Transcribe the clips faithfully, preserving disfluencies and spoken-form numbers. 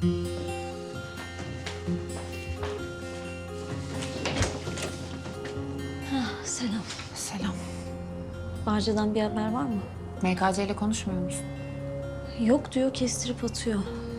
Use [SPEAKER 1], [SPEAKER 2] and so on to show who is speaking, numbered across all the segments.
[SPEAKER 1] Selam.
[SPEAKER 2] Selam.
[SPEAKER 1] Barca'dan bir haber var mı?
[SPEAKER 2] M K C ile konuşmuyor musun?
[SPEAKER 1] Yok diyor, kestirip atıyor.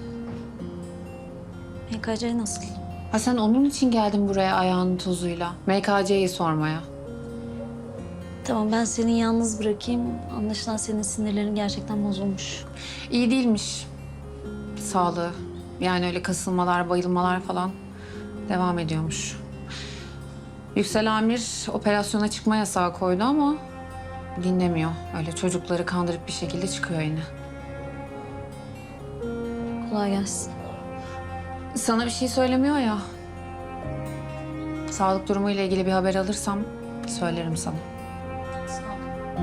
[SPEAKER 1] M K C nasıl?
[SPEAKER 2] Ha sen onun için geldin buraya ayağının tozuyla. M K C'yi sormaya.
[SPEAKER 1] Tamam, ben seni yalnız bırakayım. Anlaşılan senin sinirlerin gerçekten bozulmuş.
[SPEAKER 2] İyi değilmiş sağlığı. Yani öyle kasılmalar, bayılmalar falan devam ediyormuş. Yüksel Amir operasyona çıkma yasağı koydu ama dinlemiyor. Öyle çocukları kandırıp bir şekilde çıkıyor yine.
[SPEAKER 1] Kolay gelsin.
[SPEAKER 2] Sana bir şey söylemiyor ya. Sağlık durumuyla ilgili bir haber alırsam söylerim sana.
[SPEAKER 1] Sağ ol.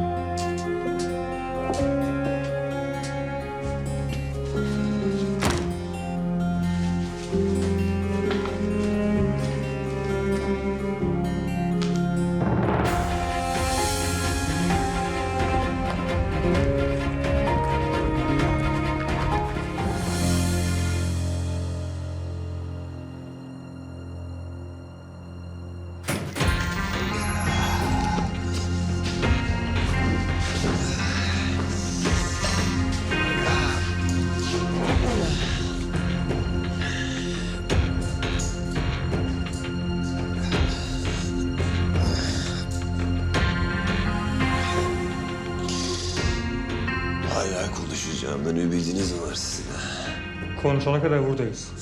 [SPEAKER 3] Hala konuşacağımdan ümidiniz mi var sizin?
[SPEAKER 4] Konuşana kadar buradayız.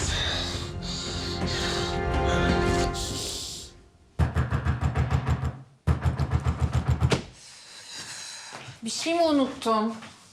[SPEAKER 2] Bir şey mi unuttum?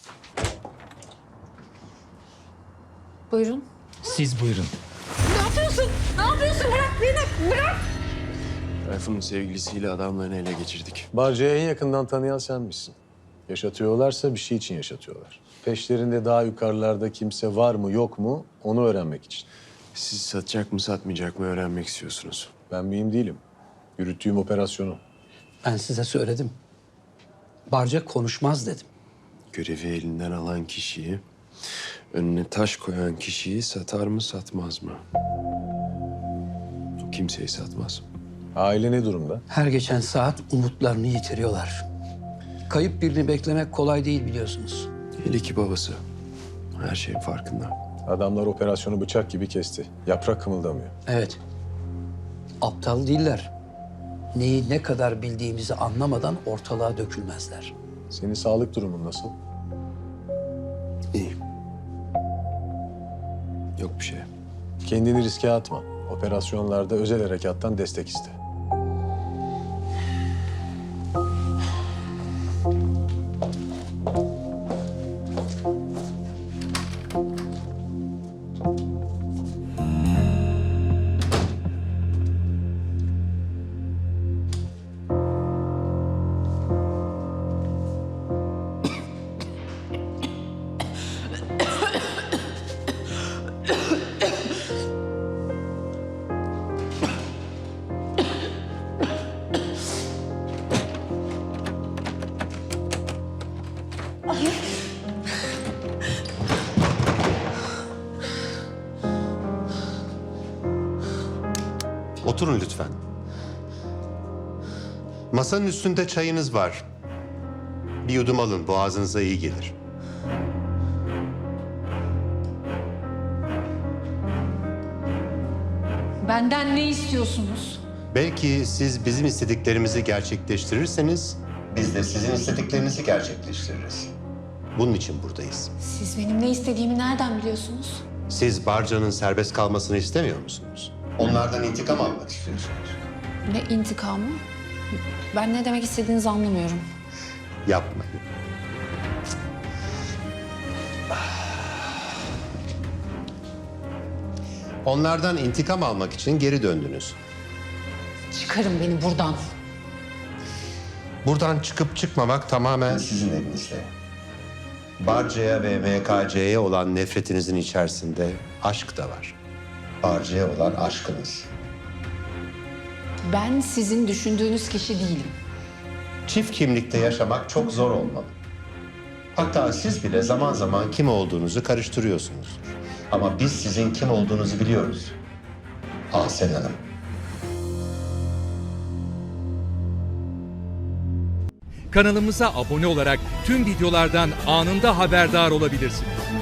[SPEAKER 2] Buyurun.
[SPEAKER 5] Siz buyurun.
[SPEAKER 2] Ne yapıyorsun? Ne yapıyorsun? Bırak beni, bırak!
[SPEAKER 3] Tayfun'un sevgilisiyle adamlarını ele geçirdik.
[SPEAKER 6] Barca'yı en yakından tanıyan sen misin? Yaşatıyorlarsa bir şey için yaşatıyorlar. Peşlerinde daha yukarılarda kimse var mı yok mu onu öğrenmek için.
[SPEAKER 3] Siz satacak mı satmayacak mı öğrenmek istiyorsunuz.
[SPEAKER 6] Ben mühim değilim. Yürüttüğüm operasyonu.
[SPEAKER 5] Ben size söyledim. Barca konuşmaz dedim.
[SPEAKER 3] Görevi elinden alan kişiyi, önüne taş koyan kişiyi satar mı satmaz mı? O kimseyi satmaz.
[SPEAKER 6] Aile ne durumda?
[SPEAKER 5] Her geçen saat umutlarını yitiriyorlar. Kayıp birini beklemek kolay değil biliyorsunuz.
[SPEAKER 3] Hele ki babası. Her şeyin farkında.
[SPEAKER 6] Adamlar operasyonu bıçak gibi kesti. Yaprak kımıldamıyor.
[SPEAKER 5] Evet. Aptal değiller. Neyi ne kadar bildiğimizi anlamadan ortalığa dökülmezler.
[SPEAKER 6] Senin sağlık durumun nasıl?
[SPEAKER 3] İyi. Yok bir şey.
[SPEAKER 6] Kendini riske atma. Operasyonlarda özel harekattan destek iste.
[SPEAKER 7] Oturun lütfen. Masanın üstünde çayınız var. Bir yudum alın, boğazınıza iyi gelir.
[SPEAKER 2] Benden ne istiyorsunuz?
[SPEAKER 7] Belki siz bizim istediklerimizi gerçekleştirirseniz, biz de sizin istediklerinizi gerçekleştiririz. Bunun için buradayız.
[SPEAKER 2] Siz benim ne istediğimi nereden biliyorsunuz?
[SPEAKER 7] Siz Barca'nın serbest kalmasını istemiyor musunuz? Onlardan intikam almak istiyorsunuz.
[SPEAKER 2] Ne intikamı? Ben ne demek istediğinizi anlamıyorum.
[SPEAKER 7] Yapmayın. Onlardan intikam almak için geri döndünüz.
[SPEAKER 2] Çıkarın beni buradan.
[SPEAKER 7] Buradan çıkıp çıkmamak tamamen sizin elinizde. Barca'ya ve M K C'ye olan nefretinizin içerisinde aşk da var. Barca'ya olan aşkınız.
[SPEAKER 2] Ben sizin düşündüğünüz kişi değilim.
[SPEAKER 7] Çift kimlikte yaşamak çok zor olmalı. Hatta siz bile zaman zaman kim olduğunuzu karıştırıyorsunuz. Ama biz sizin kim olduğunuzu biliyoruz. Ahsen Hanım.
[SPEAKER 8] Kanalımıza abone olarak tüm videolardan anında haberdar olabilirsiniz.